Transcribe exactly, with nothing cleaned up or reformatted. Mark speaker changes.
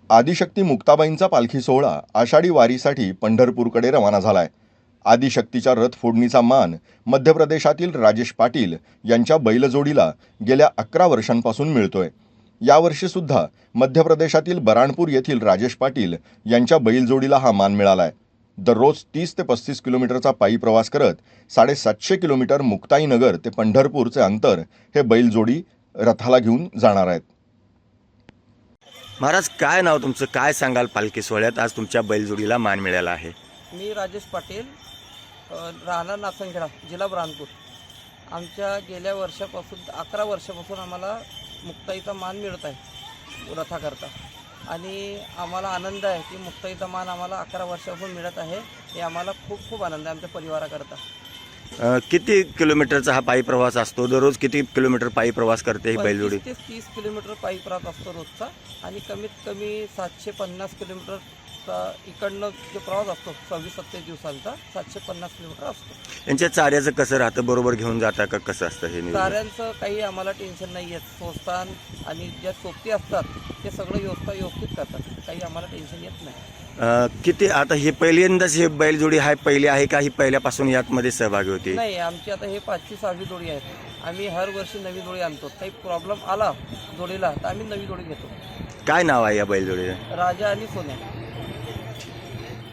Speaker 1: आदिशक्ती मुक्ताबाईंचा पालखी सोहळा आषाढी वारीसाठी पंढरपूरकडे रवाना झालाय. आदिशक्तीच्या रथ फोडणीचा मान मध्य प्रदेशातील राजेश पाटील यांच्या बैलजोडीला गेल्या अकरा वर्षांपासून मिळतोय. यावर्षीसुद्धा मध्य प्रदेशातील बराणपूर येथील राजेश पाटील यांच्या बैलजोडीला हा मान मिळालाय. दररोज तीस ते पस्तीस किलोमीटरचा पायी प्रवास करत साडेसातशे किलोमीटर मुक्ताईनगर ते पंढरपूरचे अंतर हे बैलजोडी रथाला घेऊन जाणार आहेत.
Speaker 2: महाराज, काय नाव तुमचं? काय सांगाल पालखी सोहळ्यात आज तुमच्या बैलजोडीला मान मिळाला आहे?
Speaker 3: मी राजेश पाटील, अ, राहणार नाचनखेडा, जिल्हा बुरहानपूर. आमच्या गेल्या वर्षापासून अकरा वर्षापासून आम्हाला मुक्ताईचा मान मिळत आहे रथाकरता, आणि आम्हाला आनंद आहे की मुक्ताईचा मान आम्हाला अकरा वर्षापासून मिळत आहे. हे आम्हाला खूप खूप आनंद आहे आमच्या परिवाराकरता.
Speaker 2: अ, किती किलोमीटरचा हा पायी प्रवास असतो? दररोज किती किलोमीटर पायी प्रवास करते ही बैलजोडी?
Speaker 3: पंचवीस ते तीस किलोमीटर पायी प्रवास असतो रोजचा, आणि कमीत कमी सातशे पन्नास किलोमीटरचा इकडनं जो प्रवास असतो सव्वीस सत्तावीस दिवसांचा सातशे पन्नास किलोमीटर असतो.
Speaker 2: यांच्या चाऱ्याचं कसं राहतं? बरोबर घेऊन जाता का? कसं असतं हे नियोजन?
Speaker 3: चाऱ्यांचं काही आम्हाला टेन्शन नाही आहे. संस्थान आणि ज्या सोबती असतात ते सगळं व्यवस्था व्यवस्थित करतात. काही आम्हाला टेन्शन येत नाही.
Speaker 2: अ, किती आता हे पहिल्यांदाच हे बैलजोडी आहे पहिली आहे का ही पहिल्यापासून यातमध्ये सहभागी होती?
Speaker 3: नाही, आमची आता हे पाचवी सहावी जोडी आहेत. आम्ही हर वर्षी नवी जोडी आणतो. काही प्रॉब्लेम आला जोडीला तर आम्ही नवी जोडी घेतो.
Speaker 2: काय नाव आहे या बैलजोडीचं?
Speaker 3: राजा आणि सोन्या.